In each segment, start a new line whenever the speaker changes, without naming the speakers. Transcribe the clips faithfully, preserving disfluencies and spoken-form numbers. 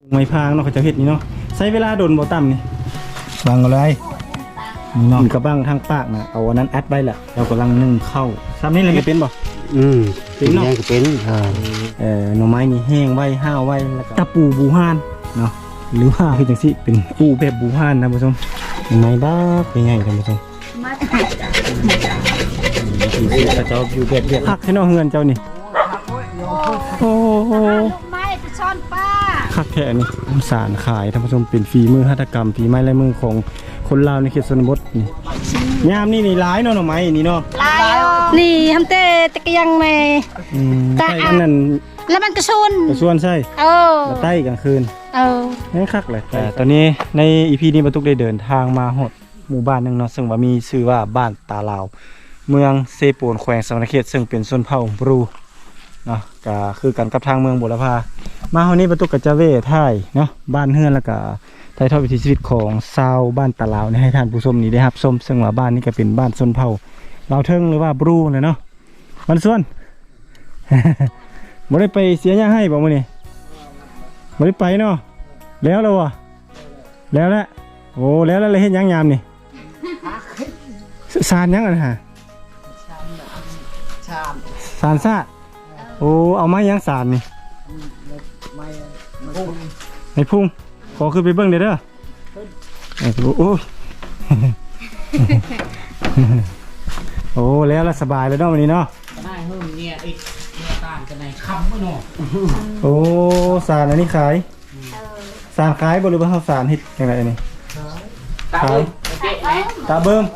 ไม้พางเนาะเขาจะเฮ็ดนี่เนาะใช้เวลาโดนบ่ต่ำนี่บางอะไรนี่เนาะกระบังทางปากนะเอาอันนั้นอัดไว้แหละเรากำลังนึ่งเข้าซ้ำนี่เลยไม่เป็นบ่
อืมเป็นยังก็เป็นเออ
เอ่อหน่อไม้นี่แห้งไว้ห้าวไว้แล้วก็ตะปูบูฮานเนาะหรือว่าคือจังซี่เป็นปูแบบบูฮานนะผู้ชมไม้บ้าเป็นไงท่านผู้ชมพระเจ้าอยู่แบบเรียบคักให้น้องเฮือนเจ้านี่โอ้โห
ไม้จะซ่อนป้า
คักแค่นี้สารขายท่านผู้ชมเป็นฝีมือหัตถกรรมฝีไม้ลายมือของคนลาวในเขตชนบทนี่ยามนี่นี่ร้ายเนาะหน่อไม้นี่เนาะ
ลายนี่ทำเตะตะเกียงแม่
ใต้อันนั้น
แล้วมันกระชน
กระชวนใช่
เออ
ใต้กลางคืน
เออ
นี่คักเลยแต่ตอนนี้ในอีพีนี้บรรทุกได้เดินทางมาหดหมู่บ้านหนึ่งเนาะซึ่งว่ามีชื่อว่าบ้านตาลาวเมืองเซโปนแขวงสวรรณเขตซึ่งเป็นชนเผ่าบรูเนาะก็คือกันกับทางเมืองบุรพามาเฮานี้บรรทุกกับจาเว่ไทยเนาะบ้านเฮือนแล้วก็ไทยทอดวิถีชีวิตของชาวบ้านตาลาวนี่ให้ท่านผู้ชมนี่ได้รับชมซึ่งว่าบ้านนี้ก็เป็นบ้านชนเผ่าลาวเทิงหรือว่าบรูเลยเนาะมันส่วน บ่ได้ไปเสียหยังให้บ่มื้อนี้บ่ได้ไปเนาะแล้วแล้ววะแล้วแหละโอ้แล้วแล้วเลยเฮ็ดหยังยามนี่สารหยังอ่ะฮะสารซาดโอ้เอาไม้ยังสารนี่ไม้พุ่งขอขึ้นไปเบิ่งเด้อเด้อโอ้โอ้แล้วละสบายเลยเนาะวันนี้เนาะ
ได้เพิ่มเนี่ยอีกเนี่ยต่างกันในคำก็เนาะ
โอ้สารอันนี้ขายสารขายบ่หรือว่าเฮาสารเฮ็ดจังได๋นี่ขายตาเบิ่ม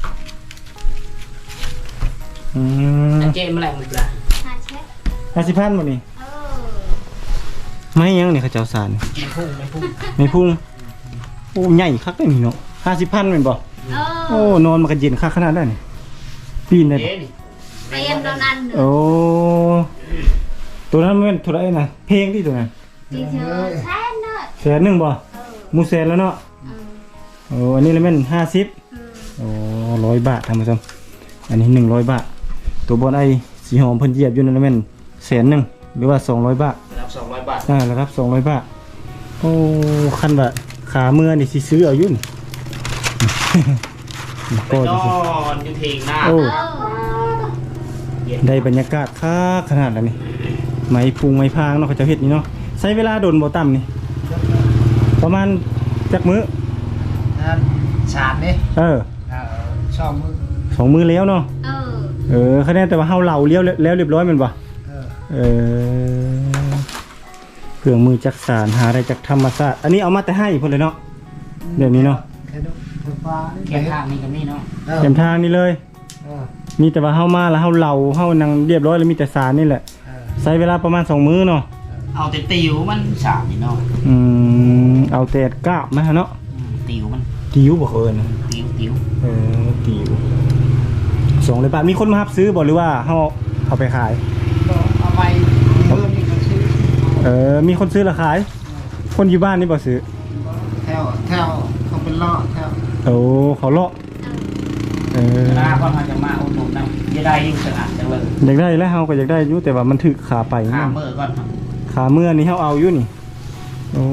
อืม
เจ๊มาแล้วหมดละ
ห้าสิบพันหมดนี่ไม่ยังนี่เขาเจ้าสาร
ไม่พุ่งไม่พุ่ง
ไม่พุ่งโอ้ใหญ่คักเลยนี่เนาะห้าสิบพันเป็นบ่โอ้นอนมันก็เย็นคักขนาดนั้นนี่ปีนได้บ่
เรียนตอนนั้น
โอ้ตัวนั้นมันเท่าไหร่นะเพลงที่ตัวนั้น
ตีเธอแสนเนาะ
แสนหนึ่งบ่มูแสนแล้วเนาะโอ้อันนี้เลยแม่นห้าสิบโอ้ร้อยบาททำมาซ้ำอันนี้หนึ่งร้อยบาทตัวบอลไอสีหอมเพิ่นเหยียบอยู่นั่นเลยแม่นแสนหนึ่งหรือว่าสองร้อยบาท
รับสองร้อยบาท
อ่ารับสองร้อยบาทโอ้คันแบบขาเมื่อนี่สิซื้อเอายุ่น
ไปนอนอยู่เถียงหน้า
โอ้ได้บรรยากาศค่าขนาดแล้วนี่ไม้พุงไม้พางเนาะเขาจะเฮ็ดนี่เนาะใช้เวลาโดนบ่ต่ำนี่ประมาณจักมื้อ
ชาดนี่
เออ
สองมือ
สองมือแล้วเนาะเออเออคะแนนแต่ว่าเฮาเหล่าเลี้ยวแล้วเรียบร้อยมันบ่เออเครื่องมือจักสารหาได้จากธรรมชาติอันนี้เอามาแต่ให้เพิ่นเลยเนาะเดี๋ยวนี้เนาะ
เข็มทางนี่ก็มีเนาะ
เข็มทางนี่เลยมีแต่ว่าเฮามาแล้วเฮาเหล่าเฮานั่งเรียบร้อยแล้วมีแต่สารนี่แหละใช้เวลาประมาณสองมื้อเนาะ
เอาแต่ติวมันสามนี่เนาะ
อืมเอาแต่กาบมาเนาะ
ติวมัน
ติวบ่เอิ้น
ติวติว
เออติวสองร้อยบาทมีคนมารับซื้อบ่หรือว่าเฮาเอาไปขาย
เอาไปเพิ่มมีคนซื้อ
เออมีคนซื้อละขายคนอยู่บ้านนี่บ่ซื้อ
แถวแถวเขาเป็นล่อแถว
โอ้เขาเลาะเออ
ลาก่อนมาจะมาอุดหนุนนะจะได้ยิ่งสะอาดจังเลย
อยากได้แล้วเฮาก็อยากได้อยู่แต่ว่ามันถึกขาไป
ขาเมื่อก่อน
ขาเมื่อนี่เฮาเอาอยู่นี่โอ้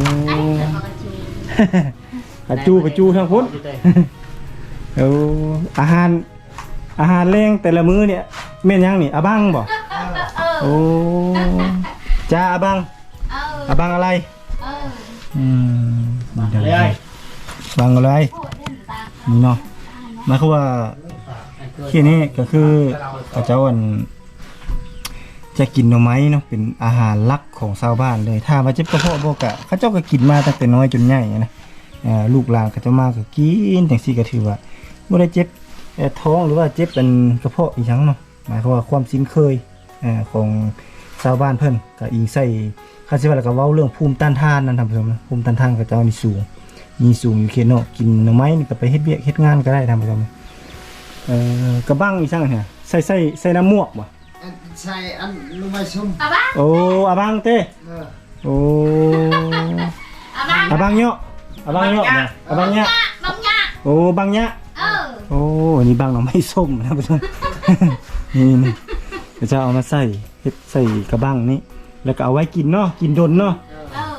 อาจูกระจูทางพุทธเอออาหารอาหารแรงแต่ละมื้อเนี่ยแม่นยังนี่อาบังบ่โอ้จ้าอาบังอาบังอะไรอืมบังอะไรบังอะไรนี่เนาะหมายความว่าที่นี่ก็คือพระเจ้าอันจะกินหน่อไม้เนาะเป็นอาหารหลักของชาวบ้านเลยถ้าว่าเจ็บกระเพาะบ่กะเขาเจ้าก็กินมาตั้งแต่น้อยจนใหญ่นะลูกหลานก็จะมาก็กินจังซี่ก็ถือว่าบ่ได้เจ็บท้องหรือว่าเจ็บเป็นกระเพาะอีหยังเนาะหมายความว่าความคุ้นเคยของชาวบ้านเพิ่นก็อิงใส่คาสิว่าแล้วก็เว้าเรื่องภูมิต้านทานนั่นท่านผู้ชมนะภูมิต้านทานก็จะมีสูงมีสูงอยู่เขตเนาะกินหน่อไม้นี่ก็ไปเฮ็ดเวียกเฮ็ดงานก็ได้ท่านผู้ชมเอ่อกระบังอีซั่งเนี่ยใส่ใส่ใส่น้ำมวกบ่
ใส่อันลูกไม้ซุ่ม
อาบัง
โอ้อาบังเต้โอ้อาบังเนาะอาบังเนาะอาบังเนาะ
บังเนาะ
โอ้บังเนาะ
เออ
โอ้อันนี้บังหน่อไม้ส้มนะผู้ชมนี่นี่จะเอามาใส่เฮ็ดใส่กระบังนี่แล้วก็เอาไว้กินเนาะกินดนเนาะ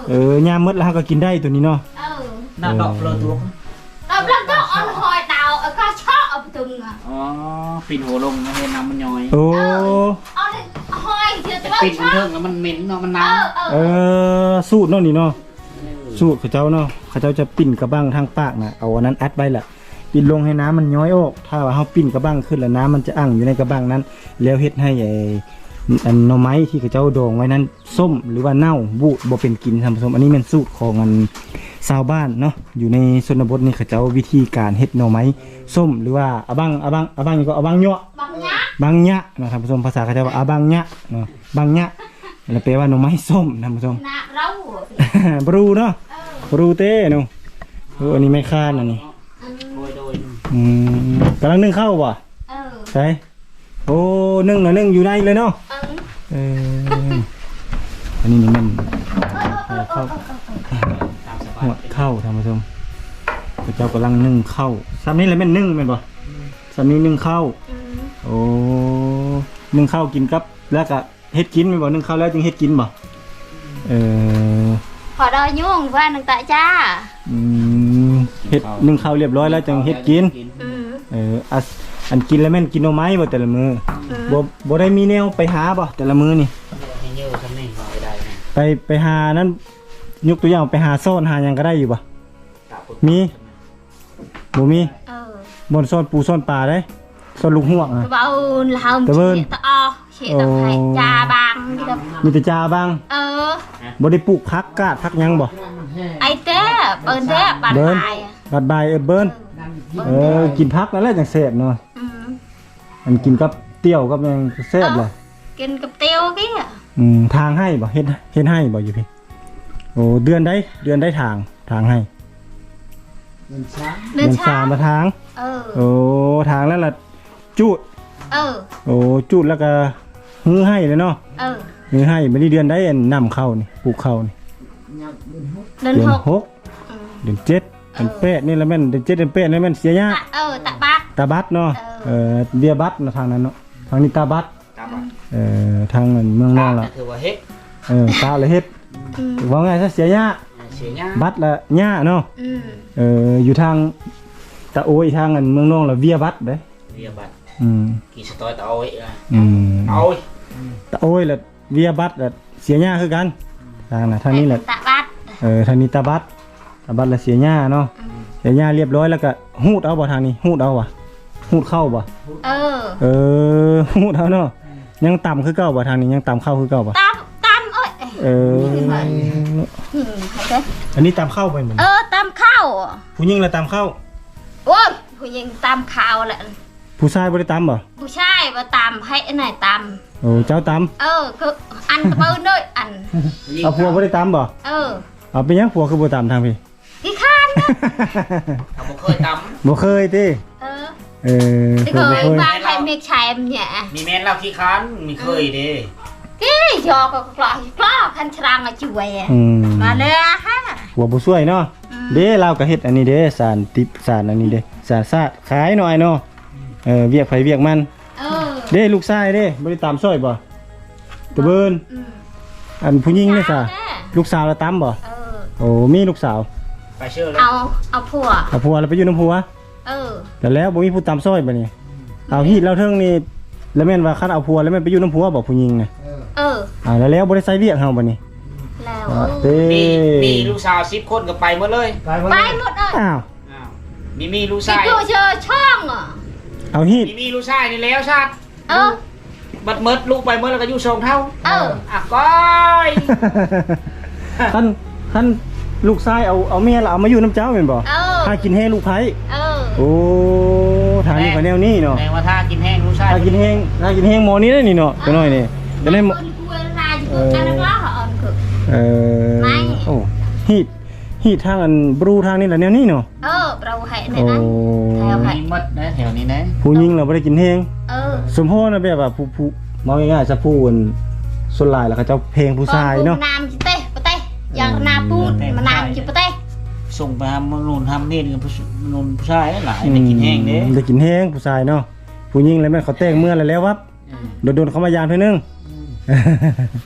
เออยามมดแล้วก็กินได้ตัวนี้เนาะ
เออ
หน้าดอกเลยตัว
เราเราต้องเอาหอยดาวเอาก็ชอบเอาไปตึงอ่ะ
อ๋อปิ่นหัวลงให้น้ำมันย้อย
โอ้
เอาเลยหอยเดี๋ยวจะ
ปิ่น
ช
มัน
อบ
เทิงแล้วมันเหม็นเนาะมัน
เอ
น้
อเอ
เอ
อ
อสูตรเนาะนี่เนาะสูตรเขาเจ้าเนาะเขาเจ้าจะปิ้นกระบังทางปากน่ะเอาอันนั้นอัดไว้แหละปิดลงให้น้ำมันย้อยออกถ้าว่าเฮาปิ้นกระบังขึ้นแล้วน้ำมันจะอั่งอยู่ในกระบังนั้น แล้วเฮ็ดให้ไอ้อันหน่อไม้ที่เขาเจ้าดองไว้นั้นส้มหรือว่าเน่าบูดบ่เป็นกินท่านผู้ชมอันนี้เป็นสูตรของอันชาวบ้านเนาะอยู่ในชนบทนี่เขาเจ้าวิธีการเฮ็ดหน่อไม้ส้มหรือว่าอะบังอะบังอะบังนี่ก็อะบังยั่ว
บางอย่าง
บังยะเนาะท่านผู้ชมภาษาเขาจะว่าอาบังยะเนาะบังยะแล้วแปลว่าหน่อไม้ส้มท่านผู้ชม
หน้าเรา
บรูเนาะ
เออบ
รูเต้เนาะโอ้อันนี้ไม่คาดอันนี้
ำโดยโดย
อืมกำลังนึ่งข้าวป่ะ
เออ
ใช่โอ้นึ่งหน่อยนึ่งอยู่ในเลยเนาะ
เออ
เอออันนี้นี่มันข้าว
ตามสบาย
หัวข้าวท่านผู้ชมพระเจ้ากำลังนึ่งข้าวซ้ำนี้เลยแม่นนึ่งแม่นป่ะซ้ำนี้นึ่งข้าว
อืม
โอ้นึ่งข้าวกินกับแล้วก็เฮ็ดกินแม่นบ่นึ่งข้าวแล้วจึงเฮ็ดกินบ่เออ
ขอดอยยุ่งว่าหนึ่งตาจ้า
อืมเฮ็ดนึ่งข้าวเรียบร้อยแล้วจังเฮ็ดกิน
อืม
เอออันอันกินแล้วแม่นกินหน่อไม้บ่แต่ละมื้อ
อืม
บ่บ่ได้มีแนวไปหาบ่แต่ละมื้อนี่
ให้เยอะทำนี่เอาไปได้นะ
ไปไปหานั้นยกตัวอย่างไปหาซ่อนหาหยังก็ได้อยู่บ่
ตาปุ๊บ
มีบ่มี
เออ
บ่อนซ่อนปูซ่อนปลาได้ซ่อนลูกฮวกอ่ะ
cái bao làm
Cảm ơn.
chị ta o chị ta
Ồ.
phải trà băng đi đâu
มีแต่จาบ้าง
ờ
บ่ได้ปลูกผักกาดผักหยังบ่
ấy thế bên thế bạn
Bên.
bài
บัดบายเออเบิ้นเออกินผักนั่นแหละจังแซ่บเนาะ
ừ.
อันกินกับเตี้ยวกับหยังแซ่บเลย
kinh cặp tiêu cái à
อืมทางให้บ่เฮ็ดเฮ็ดให้บ่อยู่พี่โอ้เดือนได้เดือนได้ทางทางให้
lên
สาม
sao
มาทาง
ừ
โอ้ทางแล้วล่ะจูด
ừ
โอ้จูดแล้วก็ฮื้อให้เลยเนาะ
ừ
ฮื้อให้บ่ได้เดือนได้อันนำเข้านี่ปลูกเข้านี่
lên
เดือน
hộp
หก
ừ.
เดือนเจ็ดเดือนแปดนี่ละแม่นเดือนเจ็ดเดือนแปดนี่แม่นเสียยาก
tạ, ừ tạ bát
ตาบัดเนาะเออเบียบัดเนาะทางนั้นเนาะทางนี้ตาบัด
ตาบัด
เออทางนั้นเมืองน
ตา
อก
ก็
ล่ะ
คือว่าเฮ็ด
เออตาเลยเฮ็ด
ừ
ว่าไงซะเสียยาก
เสียหน้า
บัดละหญ้าเนาะ
ừ
เอออยู่ทางตะโอยทางอันเมืองนอกละเวียบัดเด้
เรียบัด
อืม
กี่สตอยตาเอาไว้อะ
อืม
เอาไว้
ตะโอยละเวียบัดละเสียหญ้าคือกันทางน่ะทางนี้แหละ
tạ bát
เออทางนี้ตาบัดตาบัดละเสียหญ้าเนาะ
ừ
เสียหญ้าเรียบร้อยแล้วก็หูดเอาบ่ทางนี้หูดเอาว่ะหูดเข้าบ่
ừ
เออหูดเอาเนาะยังต่ำคือเก่าบ่ทางนี้ยังต่ำเข้าคือเก่าบ่
tam tam ơi
เออ
ừ thế
อันนี้ตามเข้าไปเหมือน
ờ tam khao
ผู้หญิงละตามเข้า
ôiผู้หญิงตามข่าวแหละ
ผู้ชายบ่ได้ตามบ่
ผู้ชายมาตามให้ไอ้ไหนตาม
โอ้เจ้าตาม
เออคืออันตะเบิ้ลด้วยอัน
เอาผัวบ่ได้ตามบ่
เออ
เอาเป็นหยังผัวคือบ่ตามทางพี่
กี่ข้านนะ
เขาบ่เคยต
บ่เคยติ
เออ
เออ
ที่
ผัว
เค
บ่
ย
เคย
บ้านใครเมียชายมันเนี่ย
ำมีแม่นเราขี้ค้านมีเคยเด้
กี่ยอก็กล้อกล้อคันชรางมาช่วย
อืม
มาเลยอะฮะ
ผัวบ่ช่วยเนาะเด้เราก็เฮ็ดอันนี้เด้สารติบสารอันนี้เด้สารซาดขายหน่อยเนาะเออเวียกไผเวียกมัน
เออ
เด้ลูกชายเด้บ่ได้ตามซอยบ่ตะเบิน
อืม
อันผู้หญิงนี่ซะ
แน่
ลูกสาวละตามบ่
เออ
โอ้มีลูกสาว
ไปเชื่อเลย
เอาเอาผัว
เอาผัวแล้วไปอยู่นำผัว
เออ
แต่แล้วบ่มีผู้ตามซอยบัดนี้เอาฮีดแล้วเทิงนี่แล้วแม่นว่าคันเอาผัวแล้วแม่นไปอยู่นำผัวบ่ผู้หญิงน่ะ
เออ
อ่าแล้วแล้วบ่ได้ใส่เวียกเฮาบัดนี้
แล้ว
อ่าเต้
มีมีลูกสาวสิบคนก็ไปหมดเลย
ไปหมดเลย
อ้าว
อ้าวมีมีลูก
พี่
ชาย
กูเจอช่องอ่ะ
เอาฮีด
มีมีลูกชายนี่แล้วชาติ
เออ
บัดเมิดลูกไปเมิดแล้วก็อยู่ทรงเท่า
เออ
อ่ะก้อย
คันคันลูกชายเอาเอาเมียแล้วเอามาอยู่น้ำเจ้าแม่นบ่
เออ
ถ้ากินแห้งลูกไผ
เออ
โอ้ทางนี้ก็แนวนี้เนาะ
แปลว่าถ้ากินแห้งลูกชาย
ถ้ากินแห้งถ้ากินแห้งหมอนี้ได้นี่เนาะตัวน้อยนี่จะได้หมอ
คนกูเวลาจะกูจะนักล่าเหรออ่อนคือ
เออ
ไม่
โอ้ฮีดฮีดทางอันบรูทางนี้แหละแนวนี้เนาะ
เออเราให้ใน
โอ้
นั้น แถวไหน
มีหมดนะแถวนี้นะ
ผู้หญิงเราบ่ได้กินแห้ง
เออ
สมโพธินะแบบว่าผู้ผู้มองง่ายๆซะผู้อันส่วนหลายแล้วเขาเจ้าเพลงผู้ชายเนาะ
นามจิเต้ปะเต้อย่างนาปูนมานามจิปะเต้
ส่งไปทำนูนทำนี่กับนูนผู้ชายหลายได้กินแห้งเด้
ได้กินแห้งผู้ชายเนาะผู้หญิงแล้วแม่นเขาแต่งเมื่อแล้วแล้ววับ
อืม
โดนๆเขามายามเท่านึง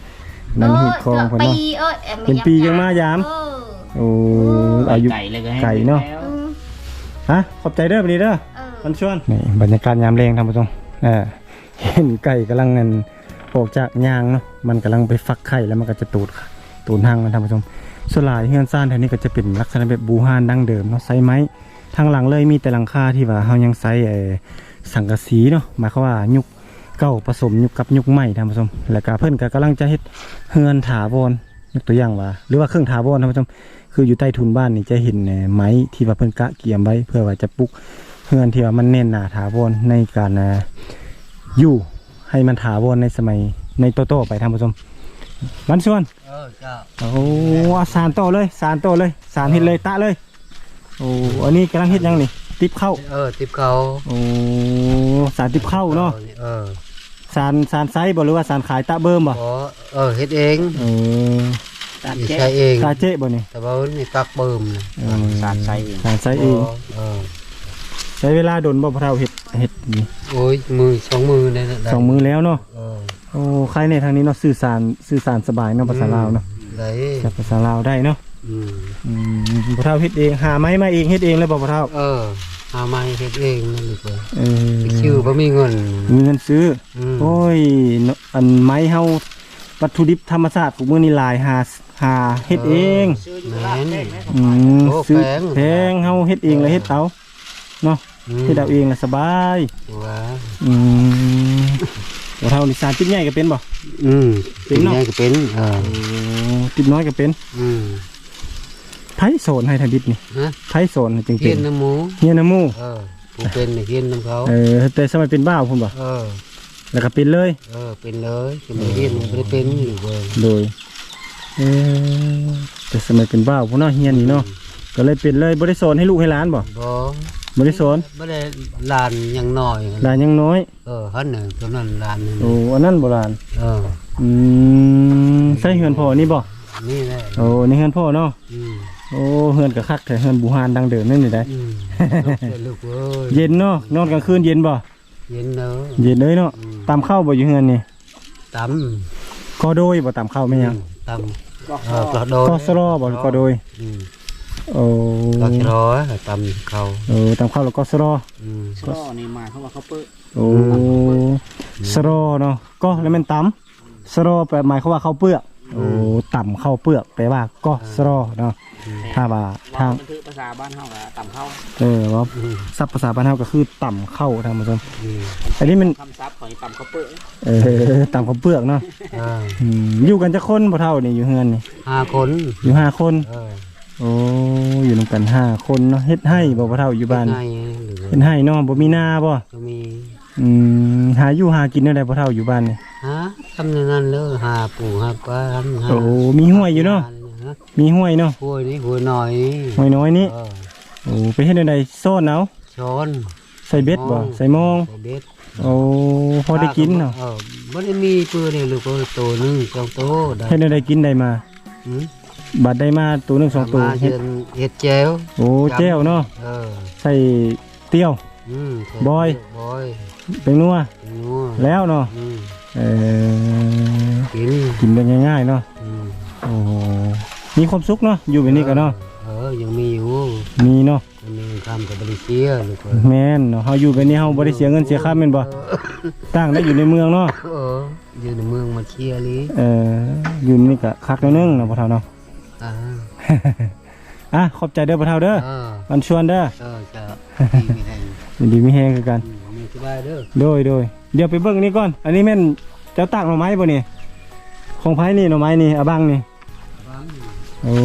นั่นเห็ดคองเพิ่น
ปี
เนาะ
เอ้ย
เป็นปียังมายาม
เออ
โอ้อายุ
ไก่เลยก็ให้
ไก่เนาะ
แล้ว
อืม
ฮะขอบใจเด้อบัดนี้เด้อ
เออ
มันชวนนี่บรรยากาศยามแรงท่านผู้ชมเออเห็นไก่กำลังเงินออกจากยางเนาะมันกำลังไปฟักไข่แล้วมันก็จะตูดตูดหางมันท่านผู้ชมส่วนหลายเฮือนซ่านแถวนี้ก็จะเป็นลักษณะแบบบูฮานดั้งเดิมเนาะไซไม้ทางหลังเลยมีแต่หลังคาที่ว่าเฮายังไซไอ้สังกะสีเนาะหมายความว่ายุคเก่าผสมยุคกับยุคใหม่ท่านผู้ชมแล้วก็เพิ่นก็กำลังจะเฮ็ดเฮือนถาวรยกตัวอย่างว่าหรือว่าเครื่องถาวรท่านผู้ชมคืออยู่ใต้ทุนบ้านนี่จะเห็นไม้ที่ว่าเพิ่นกะเกี่ยมไว้เพื่อว่าจะปลุกเฮือนที่ว่ามันแน่นหนาถาวรในการอยู่ให้มันถาวรในสมัยในโตโต้ไปท่านผู้ชมมันชวน
เออเจ้า
โอ้อาสารโตเลยสารโตเลยสารเฮ็ดเลยตะเลยโอ้อันนี้กำลังเฮ็ดยังนี่ติบเข้า
เออติบเขา
โอ้สารติบเข้าเนาะ
เออ
สารสารไซส์บ่หรือว่าสารขายตะเบิ่มบ่
อ๋อเออเฮ็ดเอง
เออ
ใช้เอง
ตาเจ๊บ่นี่
แต่ว่านี่ตักเบิ่มนะ
เออ
สารใช้เอง
สารไซส์เอง
เออ
ใช้เวลาโดนบ่พะเฒ่าเฮ็ดเฮ็ดนี่
โอ้ยมือสองมือได้ได้
สองมือแล้วเนาะ
เออ
โอ้ใครในทางนี้เนาะสื่อสารสื่อสารสบายเนาะภาษาลาวเนาะ
ได้
ใช้ภาษาลาวได้เนาะ
อืม
อืมพะเฒ่าเฮ็ดเองหาไม้มาเองเฮ็ดเองเลยบ่พะเฒ่า
เออหาไม้เฮ็ดเองนั่นดีกว่า
เออ
ชื่อบ่มีเงิน
มีเงินซื้อ
อืม
โอ้ยเนาะอันไม้เฮาวัตถุดิบธรรมชาติของมื้อนี้หลายหาหาเฮ็ดเอง
แม่น
อืม
โอ้
ซื้อ
แพง
แพงเฮาเฮ็ดเองแล้วเฮ็ดเอาเนาะ
อืม
เฮ็ดเอาเองแล้วสบาย
ว่า
อืมบ่เท่านี่สารติดใหญ่ก็เป็นบ่
อืม
เป็นเนาะ
ไงก็เป็นเออ
โอ้ติดน้อยก็เป็น
อืม
ไผสอนให้ทางดิบนี่
ฮะ
ไผสอนให้จึง
เฮี
เป็
ย
น
นน้ำหมู
เฮียนน้ำหมู่
เออผู้เป็นเนี่ยเฮียนน้ำเขา
เออแต่สมัยเป็นบ้าวพุ่นบ่
เออ
แล้วก็เป็นเลย
เออเป็นเลยจะไม่เฮียนไม่ได้เป็นอยู่เลย
โดยเออแต่สมัยเป็นบ้าวพุ่นเนาะเฮียนนี่เนาะก็เลยเป็นเลยบ่ได้สอนให้ลูกให้หลานบ่
บ่
บ่ได้สอน
ไม่ได้ลานอยังน้อย
หลานยังน้อย
เออฮันหนึ่งตัวนั้นลานหนึ่ง
โอ้อันนั้นโบราณ
เออ
อืมใช่เฮือนพ่อนี่บ่
นี่แหละ
โอ้นี่เฮือนพ่อเนาะ
อืม
โอ้เฮือนก็คักแต่เฮือนบูฮานดังเดิมนั่นนี่ได้
อืมลูกเอ้ยลูกเอ้ย
เย็นเนาะนอนกลางคืนเย็นบ่
เย็นเนอะ
เย็นเลยเนาะ
อืม
ตามข้าวบ่อยู่เฮือนนี่
ต
ก็โดยบ่ตามข้าว
ำ
แม่นยัง
ตำเออกระโดด
ก็สลอบ่ก็โดย
อืม
โอ้
ก็กระโดดตำเขา
เออตามข้าวแล้วก็สลอ
อืม
ก็นี่มาเขาว่าเขาเปิ้ล
โอ้สลอเนาะก็แล้วแม่นตำสลอแปลหมายความว่าข้าวเปลือกโอ้ต่ำข้าวเปลือกแปลว่าก็สลอเนาะถ้าว่าทาง
บันทึกภาษาบ้านเขาอะต่ำเข้า
เออว่า
อืม
ศัพท์ภาษาบ้านเฮาก็คือต่ำเข้าทางผู้ชม
อืม
อันนี้มัน
คำซับของต่ำเขาเปิ้ล
เออต่ำข้าวเปลือกเนาะ
เออ
อืมอยู่กันจะคนบ่เท่านี่อยู่เฮือนนี่
ห้าคน
อยู่ห้าคน
เออ
โอ้อยู่นำกันห้าคนเนาะเฮ็ดให้บ่บ่เท่าอยู่บ้าน
ไงหรือ
เฮ็ดให้เนาะบ่มีนาบ่
ก็มี
อืมหาอยู่หากินได้บ่เท่าอยู่บ้านนี่
ฮะทำอย่างนั้นเลยหาปูหาปลาหา
โอ้มีห้วยอยู่เนาะ
ฮะ
มีห้วยเนาะ
ห้วยนี่ห้วยหน่อยนี่
ห้วยน้อยนี่
เออ
โอ้ไปเฮ็ดได้ซ่อนเอา
ช้อน
ใส่เบ็ดบ่ใส่หมอง
ใส่เบ็ด
โอ้พอได้กินเนาะ
เออบ่ได้มีเพื่อนี่ลูกเอ้ยตัวหนึงสองตัวได้
เฮ็ดได้กินได้มา
หืม
บัดได้มาตัวหนึงสองตัว
มา
เฮ็
เฮ็
ด
ดเฮ็ดแจ่ว
โอ้แจ้วเนาะ
เออ
ใส่เตี้ยว
อืมใส่
บอย
บอย
เป็นนัว
นัว
แล้วเนาะ
อืม
เออ
กิน
กินได้ง่ายๆเนาะ
อืม
โอ้โหมีความสุขเนาะอยู่แบบนี้ก็เนาะ
เออยังมีอยู่
มีเนาะ
อันนี้ทำกับบริเซียลูกเอ้ย
แม่นเนาะเฮาอยู่แบบนี้เฮาบ่ได้เสียเงินเสียค่าแม่นบ่ต่างได้อยู่ในเมืองเนาะ
เอออยู่ในเมืองมาเชียร์ลิ
เอออยู่นี่ก็คักแนวนึงเนาะพ่อเฒ่าเนาะ
อ่า
อ่ะขอบใจเด้อพ่อเฒ่าเด้อ
เออ
มันชวนเด้อ
เออจะดีไม่ได้
ยินดีมีแฮงคือกัน
อืมมีสบายเด้อ
โดยโดยเดี๋ยวไปเบิ่งนี่ก่อน อันนี้แม่นเจ้าตากหน่อไม้บ่นี่ของไผนี่หน่อไม้นี่อะบังนี่โอ้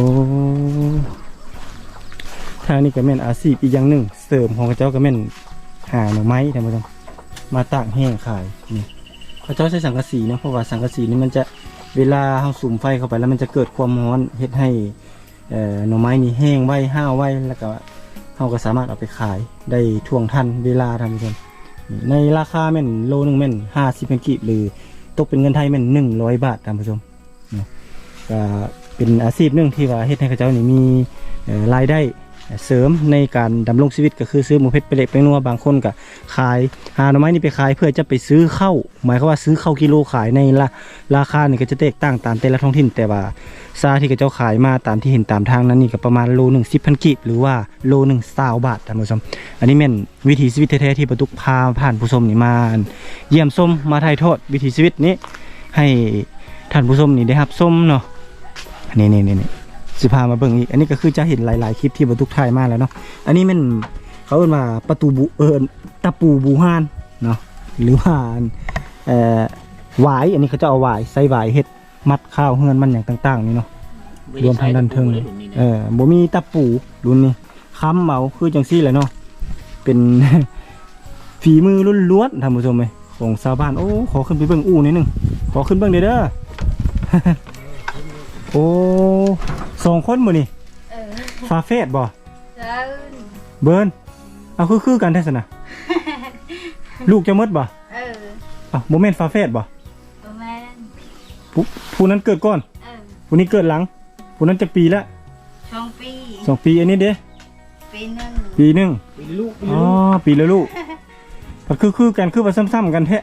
ทางนี้ก็แม่นอาชีพอีกอย่างหนึงเสริมของเขาเจ้าก็แม่นหาหน่อไม้ท่านผู้ชมมาตากแห้งขายนี่เขาเจ้าใช้สังกะสีนะเพราะว่าสังกะสีนี่มันจะเวลาเฮาสุมไฟเข้าไปแล้วมันจะเกิดความร้อนเฮ็ดให้เอ่อหน่อไม้นี่แห้งไว้ห้าวไว้แล้วก็เฮาก็สามารถเอาไปขายได้ท่วงทันเวลาท่านผู้ชมนี่ในราคาแม่นโลนึงแม่นห้าสิบเป็นกีบหรือตกเป็นเงินไทยแม่นหนึ่งร้อยบาทท่านผู้ชมนี่ก็เป็นอาชีพหนึงที่ว่าเฮ็ดให้เขาเจ้านี่มีเอ่อรายได้เสริมในการดำรงชีวิตก็คือซื้อหมูเพชรไปเล็กไปนัวบางคนก็ขายหาหน่อไม้นี่ไปขายเพื่อจะไปซื้อข้าวหมายความว่าซื้อข้าวกิโลขายในละราคานี่ก็จะแตกต่างตามแต่ละท้องถิ่นแต่ว่าซาที่เขาเจ้าขายมาตามที่เห็นตามทางนั้นนี่ก็ประมาณโลหนึ่งสิบพันกีบหรือว่าโลหนึ่งสาวบาทท่านผู้ชมอันนี้แม่นวิถีชีวิตแท้ๆที่ประตุกพาผ่านผู้ชมนี่มาเยี่ยมชมมาถ่ายทอดวิถีชีวิตนี้ให้ท่านผู้ชมนี่ได้รับชมเนาะนี่นี่นี่สิพามาเบิ่งอีกอันนี้ก็คือจะเห็นหลายๆคลิปที่ประตุกถ่ายมาแล้วเนาะอันนี้มันเขาเรียกว่าประตูบูเอิญตะปูบูฮานเนาะหรือว่าเอ่อหวายอันนี้เขาจะเอาหวายใส่หวายเฮ็ดมัดข้าวเฮือนมันอย่างต่างๆนี่เนาะรวมทางด้านเทิงเออบ่มีตะปูรุ่นนี้ค้ำเอาคือจังซี่แหละเนาะเป็น ฝีมือล้วนๆท่านผู้ชมเอ้ยของชาวบ้านโอ้ขอขึ้นไปเบิ่งอู่นิดนึงขอขึ้นเบิ่งเด้อเด้อ โอ้สองคนมื้อนี่
เออ
ฟาเฟสบ่
เดิน
เบิร์นเอาคือคือกันแท้สนะ ลูกจะมดบ่
เออ
อ่ะโมเมนต์ฟาเฟสบ่
ประมาณ
ผู้ผู้นั้นเกิดก่อน
เออ
ผู้นี้เกิดหลังผู้นั้นจะปีละ
ช่วงปี
สองปีอันนี้เด้
ปีหนึ่ง
ปีหนึ่ง
ปีลูกปี
อ๋อ
ลูก
ปีละลูกมันคือคือกันคือว่าซ้ำๆกันแท้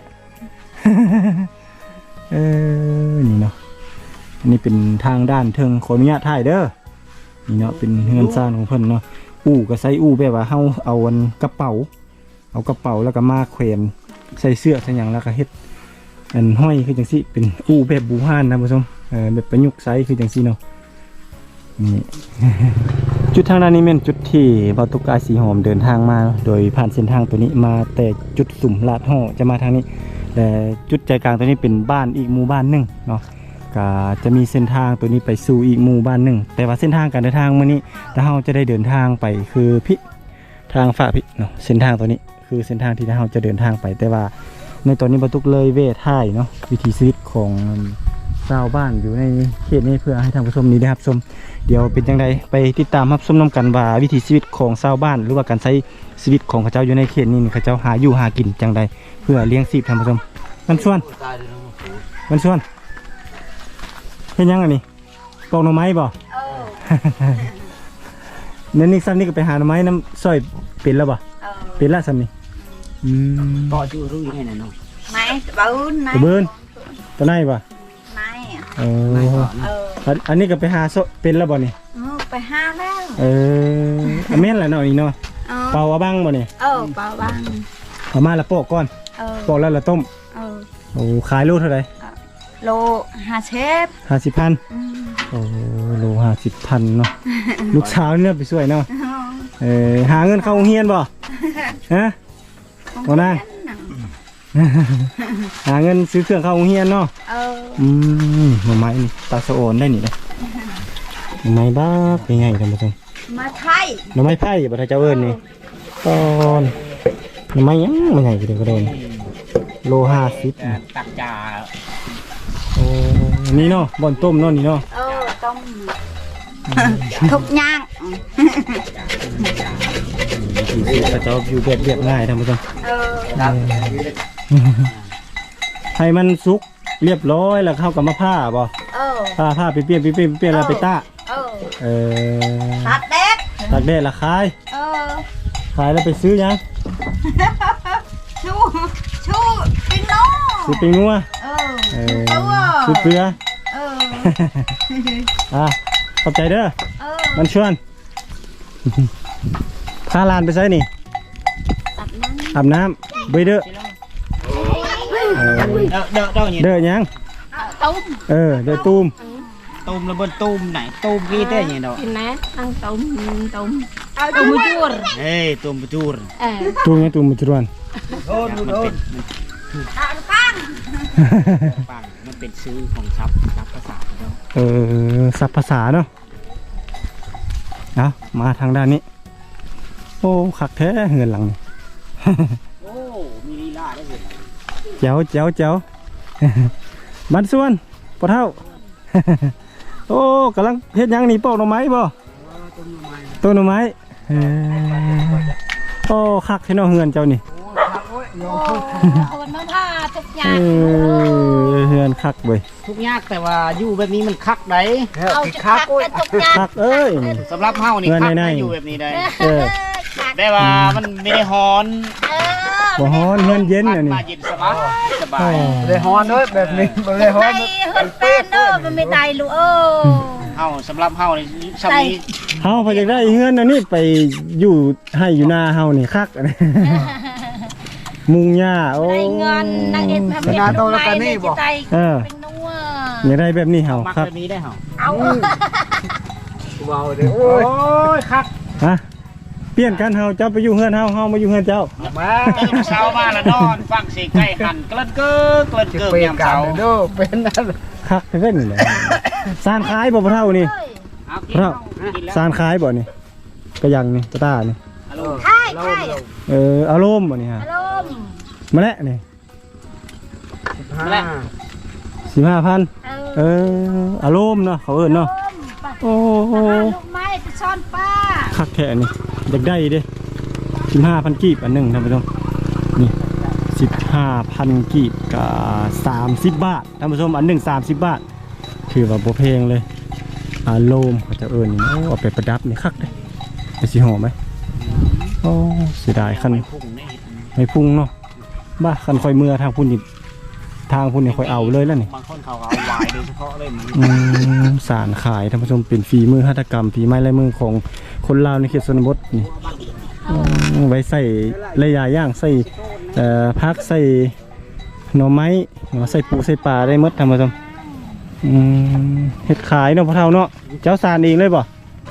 เออนี่เนาะอันนี้เป็นทางด้านเทิงขออนุญาตถ่ายเด้อนี่เนาะเป็นเฮือนซ่านของเพิ่นเนาะอู้ก็ใส่อู้แบบว่าเฮาเอาอันกระเป๋าเอากระเป๋าแล้วก็มาแขวนใส่เสื้อใส่หยังแล้วก็เฮ็ดอันห้อยคือจังซี่เป็นอู้แบบบูฮานนะผู้ชมเออแบบประยุกต์ใช้คือจังซี่เนาะนี่ จุดทางด้านนี้เป็นจุดที่เบาตุกายสีหอมเดินทางมาโดยผ่านเส้นทางตัวนี้มาแต่จุดสุ่มลาดห่อจะมาทางนี้แต่จุดใจกลางตัวนี้เป็นบ้านอีกหมู่บ้านหนึ่งเนาะก็จะมีเส้นทางตัวนี้ไปสู่อีกหมู่บ้านหนึ่งแต่ว่าเส้นทางการเดินทางมื้อนี้ถ้าเราจะได้เดินทางไปคือพิทางฝ่าพิเนาะเส้นทางตัวนี้คือเส้นทางที่เราจะเดินทางไปแต่ว่าในตอนนี้เบาตุกเลยเวท่ายเนาะวิถีชีวิตของชาวบ้านอยู่ในเขตนี้เพื่อให้ท่านผู้ชมนี้ได้รับชมเดี๋ยวเป็นจังไดไปติดตามรับชมนำกันว่าวิถีชีวิตของชาวบ้านหรือว่าการใช้ชีวิตของเขาเจ้าอยู่ในเขตนี้เขาเจ้าหาอยู่หากินจังไดเพื่อเลี้ยงชีพท่านผู้ชมมันชวนมันชวนเห็นยังอันนี้ปอกหน่อไม้บ่
เออ
นั่นนี่ซ้ำนี่ก็ไปหาหน่อไม้น้ำซอยเป็นแล้วบ่
เออ
เป็นละซ้ำนี่อืม
ต่อจูรู้ยังไงน่ะน้อง
ไม่เบิ้ลไม่
ตะเบินตะไนบ่
ไม่
เอ
ไม่
อ
ต่อ
เอ
นะ
อ
อันนี้ก็ไปหาโซเป็นแล้วบ่นี่
มึงไปห้าแล้ว
เอออันแม่นแหละเนาะนี่เนาะ
เออ
เป่าเอาบ้างบ่นี่
เออเปล่าบ้าง
เอามาละโปอกก่อน
เออ
ปอกแล้วละต้ม
เออ
โอ้ขายโลเท่าไหร่
โลห้าเชฟ
ห้าสิบพัน
อืม
โอ้โลห้าสิบพันเนาะ ลูกสาวเนี่ยไปช่วยเนาะเออหาเงินเข้าโรงเรียนบ่ฮะ เอานะ หาเงินซื้อเครื่องเข้าโรงเรียนเนาะ
เออ
อืมหน่อไม้นี่ตาสะโอนได้นี่เลยหน่อไม้บ้าเป็นไงท่านผู้ชม
มาไทย
หน่อไม้ไผ่บ่ทันเจ้าเอิ้นนี่ตอนหน่อไม้ยังไม่ใหญ่ก็ได้ก็ได้นี่โลห้าสิบ
ตักจ่า
โอ้นี่เนาะบ่อนต้มเนาะนี่เนาะ
เออต้มทุกอย่าง
พระเจ้าอยู่แบบเรียบง่ายท่านผู้ชม
เออ
ครับ
ให้มันสุกเรียบร้อยแล้วเข้ากับมะผ้าบ่
เออ
ผ้าผ้าไปเปลี่ยนไปเปลี่ยนไปเปลี่ยนแล้วไปตาก
เออ
เออ
ตัดเด็ด
ตากแดดละขาย
เออ
ขายแล้วไปซื้อยัง
ชูชูปิ้งโน่
ซื้อปิงนัว
เออ
เอ
ชู
อ
ตัว
ซื้อเกลือ
เออ
อ่ะขอบใจเด้อ
เออ
มันชวน พาหลานไปใส่นี่
ตัดนั้น
อาบน้ำไปเด้อเออ
เด้อเด้อเด้อเนี่ย
เด้อยัง
ต้ม
เออเด้อตูม
ตูมแล้วบนตูมไหนตูมกี่เต้เนี่ยเนาะ
กินนะตั้งต้มต้มต้มจูร
เฮ้ยตูมประจูร
เออ
ตูมยังตูมมุจรวน
โอ้ดูดู
อ่ะปัง
ปังมันเป็นชื่อของซับซับภาษาเนาะ
เออศัพท์ภาษาเนาะเอามาทางด้านนี้ โอ้คักแท้เงินหลังนี่
โอ้มีลีลาได้เห็น
เจ้าเจ้าเจ้า บันส่วนปะเท่า โอ้กำลังเฮ็ดหยังนี่ปอกหน่อไม้บ่ต้นหน่อไม้เออโอ้คักที่น้องเฮือนเจ้านี่
คนมันพาทุกอย่า
เอง อเฮือนคักเว้ย
ทุกยากแต่ว่าอยู่แบบนี้มันคักได้
เอาจะคักกันทุกอย่าง
คักเอ้ยนี่
สำหรับเฮานี่
เงิน
คัก
ใน
ได้
ๆ
อยู่แบบนี้ได้
เออ
ได้ว่ามันไม่ได้ฮ้อน
บ่ฮ้อนเฮือนเย็นอันนี้
มาเย็นสบายสบา
อ๋อย
เลยฮอนด้วยแบบนี้บ่เลยฮอน
ไอ้เฮือนแป้นเด้อมันไม่ได้ลูกเออ
เฮาสำหรับเฮานี่ซำนี้
เฮาพอจะได้เฮือนอันนี้ไปอยู่ให้อยู่หน้าเฮานี่คักอันนี้มุงหญ้าโอ้
ได้เงินนางเอ็นทำเป็นลูกไม้เนี่ยจะได้
เออ
เป็นนัว
อยากได้แบบนี้เฮา
มัก
ครับ
แบบนี้ได้เฮา
เอา
เบาเด้อ
โอ้
โอ้ย
ยคัก
ฮะเปลี่ยนกันเฮาเจ้าไปอยู่เฮือนเฮาเฮามาอยู่เฮือนเจ้า
มา
ตื่นเช้ามาแล้วนอนฟังเสียงไก่หั่นเกลิ้นเก้อเกลิ้น
จะ
เก้อ
เปลี่ย
ยาน ม
กัน
เช้า
เด้อเป็นนั่น
คักเพิ่นนี่แหละสานขายบ่พะเท่านี่
เอากิน
พะเท่า
กินแล้ว
สานขายบ่นี่กระยังนี่กระตานี่
ฮัลโหล
ใช่ใช่
เอออารมณ์บ่นี่ฮะ
อารมณ์
มาแล้วนี่
ห้า
สิบห้าพัน
เอ
เอ
อ
ออารมณ์เนาะเขาเอิ้นเนาะ
ไป
โอ้โห
ลูกไม้ไปซ่อนป้า
คักแท้นี่อยากได้เด้สิบห้าพันกีบอันหนึงท่านผู้ชมนี่สิบห้าพันกีบกับสามสิบบาทท่านผู้ชมอันหนึ่งสามสิบบาทถือว่าบ่แพงเลยอารมณ์เขาจะเอิ้นนี่โอ้เอาไปประดับนี่คักเด้ไปสิหอมไหมโอ้เสียดายคัน
พุ่งนี่
ไม่พุ่งเนาะบ้าคันคอยเมื่อทางพุ่นนี่ทางพุ่นนี่คอยเอาเลยแล้วนี่
บางคนเขาเอาวายโดยเฉพาะเลยมัน
อืมสารขายท่านผู้ชมเป็นฝีมือหัตถกรรมฝีไม้ลายมือของคนลาวในเขตชนบทนี่อืมไว้ใส่ระยะย่างใส่เอ่อพักใส่หน่อไม้เนาะใส่ปูใส่ปลาได้หมดท่านผู้ชมอืมเห็ดขายเนาะพ่อเฒ่าเนาะเจ้าสารเองเลยบ่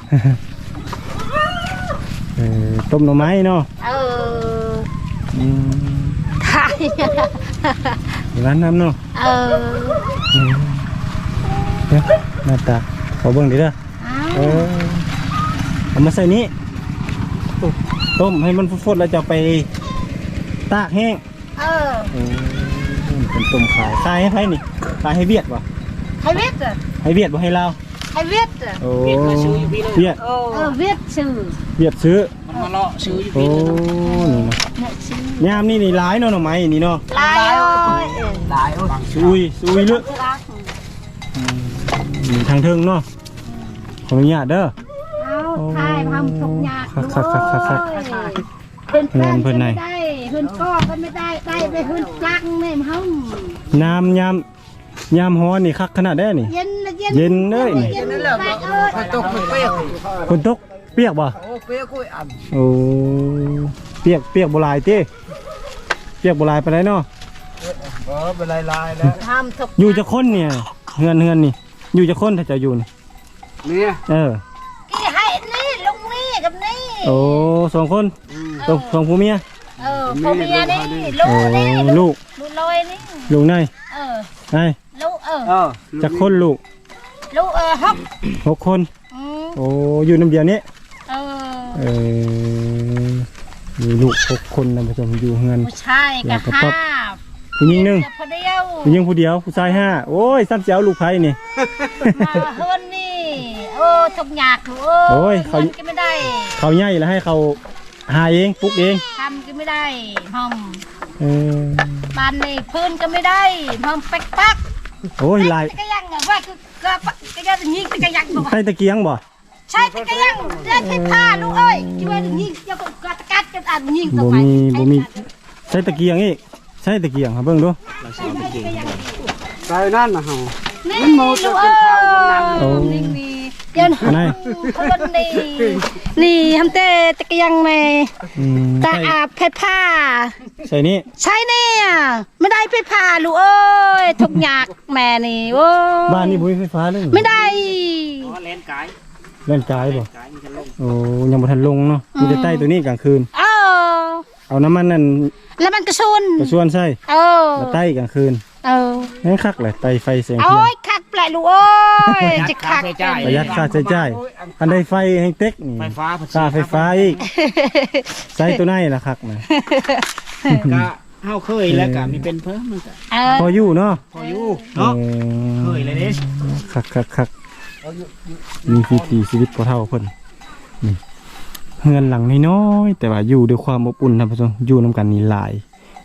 เออต้มหน่อไม้เนาะ
เออ
อืม
ไทย
ร้านน้ำเนาะ
เออ
อืมเดี๋ยวหน้าตาขอเบิ่งดิเด้อเออเอามาใส่นี้ต้มให้มันฟดๆแล้วจะเอาไปตากแห้ง
เออ
เออเป็นต้มขายขายให้ไผนี่ขายให้เวียดบ่
ให้เวียด
ให้เวียดบ่ให้ลาว
ให้เวียด
โอ้
เวียดมาซื้ออยู่พี่เลย
เวียด
เออเวียดชื่อ
เวียดซื้อ
มันมาเลาะซื้ออยู่
โอ้
พี่เลย
นี่เนาะ
เนี่ยชื่อย
ามนี่นี่หลายเนาะหน่อไม้นี่เนาะ
ลายเอ้ย
หลายโอ้ย
ซุยซุยลึก
รัก
นี่ทางเทิงเนาะขออนุญาตเด้อ
เอาทายทำทุกอย่าง
ครับครับครับครับครับ
เพื่อน
เงินเพิ่นไหน
ไม่ได้เพื่อนก็ก็ไม่ได้ได้ไปเพื่อนจังเนี่ยมั้ง
น้ำยามยามฮ้อนนี่คักขนาดได้นี่
เย็นนะเย็น
เย็นเลย
เย็นเลยไปเอ้ย
พอตกเปียก
ฝนตกเปียกบ่
โอ้เปียกกุ้ยอ่ำ
โอ้เปียกเปียกบ่หลายติเปียกบ่หลายปานใดเนาะ
เออเป็นลายลายแล้ว
ทำทุก
อยู่จะคนเนี่ยเฮือนเฮือนนี่ อยู่จะคนถ้าจะอยู่นี่
เนี่ย
เออ
กี่ให้นี่ลุงนี่กับนี่
โอ้สองคนตกสองผัวเมีย
เออพ่อเมียนี่ลู
โอ้
กนี่
ลูก
ลูกลอยนี่
ลูกนาย
เออ
นาย
ลูกเออ
เออ
จักคนลูก
ลูกเออฮอก
หกคน
อืม
โอ้อยู่น้ำเดียวนี้
เออ
เออมีลูกหกคนนะผู้ชมอยู่เฮือน
ผู้ชาย
แล้
กั
ว
บ
ก็
ห้า
ปั๊บ ผู้หญิงหนึง
เดี๋ยวพอเดียว
ผู้หญิงผู้เดียวผู้ชายห้าโอ้ยซ้ำเจ้าลูกไผ่นี่
มาเฮือนนี่โอ้ทุกอยากลูก
โอ้
โอ้
ย
ย
เขา
เงินก็ไม่ได้
เขาใหญ่แล้วให้เขาหาเองปลุกเอง
ทำก็ไม่ได้หอม
เออ
บ้านนี่พื้นก็ไม่ได้หอมแป๊กปัก
โอ้ยลาย
ตะกยังอะว่าคือก็ตะกยังยิงตะกยังบอก
ใต้ตะเกียงบ่
ใช่ตะกยังได้ที่ผ้าลูกเอ้ยที่ว่ายิงเจ้าก็กัดกัดกันอ่านยิงต่อ
บ่
ไป
มีบ่มีใช้ตะเกียงอีกใช้ตะเกียงครับเบิ่งดู
ใส่นั่นนะเฮา
นี่ลูกเอ้ยนี่นี่เดี๋ยว
อันไหน
คนนี่นี่ทำเตะตะกยังแม่
อืม
ตา
ใส่
อาบเพชรผ้า
ใส่นี่
ใช่เนี่ยไม่ได้เพชรผ้าลูกเอ้ยทุกอยากแม่นี่โอ้ย
บ้านนี่บ่มีไฟฟ้าเลย
ไม่ได้
อ๋อเลนกาย
เล่นกายบ่
กายมันจะลง
โอ้ยังบ่ทันลงเนาะมีแต่ใต้ตัวนี้กลางคืน
เออ
เอาน้ำมันนั่น
แล้วมันกระชุน
กระชวนใส่
เออ
แล้วใต้กลางคืน
เออ
แม่งคักเลยไตไฟแสงเทีย
โอ้
น
ยคักแปลกลูกโอ้ยจะคัก
ประหยัดค่าใช้จ่ายอันใดไฟให้เต็กนี่
ไฟฟ้า
ค่าไฟฟ้าอีกใช้ตัวไหนล่ะคักนะ
ก็เฮาเคยแล้วก็มีเป็นเพิ่มมันก็
เออ
พออยู่เนาะ
พออยู่เนาะเคยเลยเด้
คักคักคักมีวิถีชีวิตพอเท่าเพิ่นนี่เฮือนหลังน้อยๆแต่ว่าอยู่ด้วยความอบอุ่นท่านผู้ชมอยู่นํกันนี่หลาย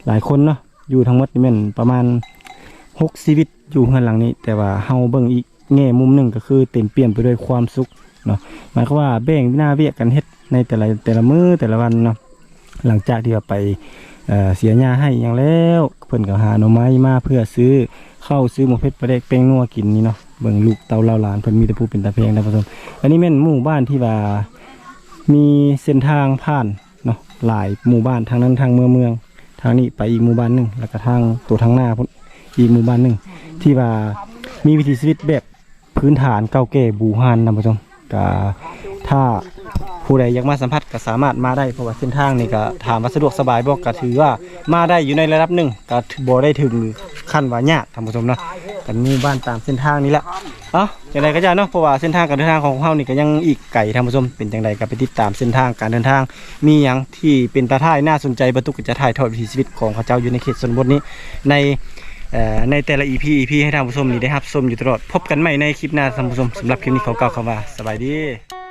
หลายคนเนาะอยู่ทั้งหมดนี่แม่นประมาณหกชีวิตอยู่เฮือนหลังนี้แต่ว่าเฮาเบิ่งอีกแง่มุมหนึ่งก็คือเต็มเปี่ยมไปด้วยความสุขเนาะหมายความว่าแบ่งหน้าเวียกกันเฮ็ดในแต่ละแต่ละมื้อแต่ละวันเนาะหลังจากที่ว่าไปเอ่อเสียหญ้าให้อย่างแล้วเพิ่นก็หาหน่อไม้มาเพื่อซื้อข้าวซื้อหมูเผ็ดปลาแดกแป้งนัวกินนี่เนาะเบิ่งลูกเต่าเล่าหลานเพิ่นมีแต่ผู้เป็นตาเพลงนะผู้ชมอันนี้แม่นหมู่บ้านที่ว่ามีเส้นทางผ่านเนาะหลายหมู่บ้านทางนั้นทางเมืองเมืองทางนี้ไปอีกหมู่บ้านหนึงแล้วก็ทางตัวทางหน้าพุ่นอีกหมู่บ้านหนึงที่ว่ามีวิถีชีวิตแบบพื้นฐานเก่าแก่บูฮานนะผู้ชมก็ถ้าผู้ใดอยากมาสัมผัสก็สามารถมาได้เพราะว่าเส้นทางนี่ก็ถามว่าสะดวกสบายบ่ก็ถือว่ามาได้อยู่ในระดับหนึ่งก็บ่ได้ถึงขั้นว่ายากท่านผู้ชมเนาะกันมีบ้านตามเส้นทางนี้แหละเอ้าจังไดก็จะเนาะเพราะว่าเส้นทางการเดินทางของเฮานี่ก็ยังอีกไกลท่านผู้ชมเป็นจังไดก็ไปติดตามเส้นทางการเดินทางมีหยังที่เป็นตาท่ายน่าสนใจบ่ตุกก็จะถ่ายทอดวิถีชีวิตของเขาเจ้าอยู่ในเขตชนบทนี้ในเอ่อในแต่ละ อี พี อี พี ให้ท่านผู้ชมนี่ได้รับชมอยู่ตลอดพบกันใหม่ในคลิปหน้าท่านผู้ชมสำหรับคลิปนี้ขอกล่าวคำว่าสบายดี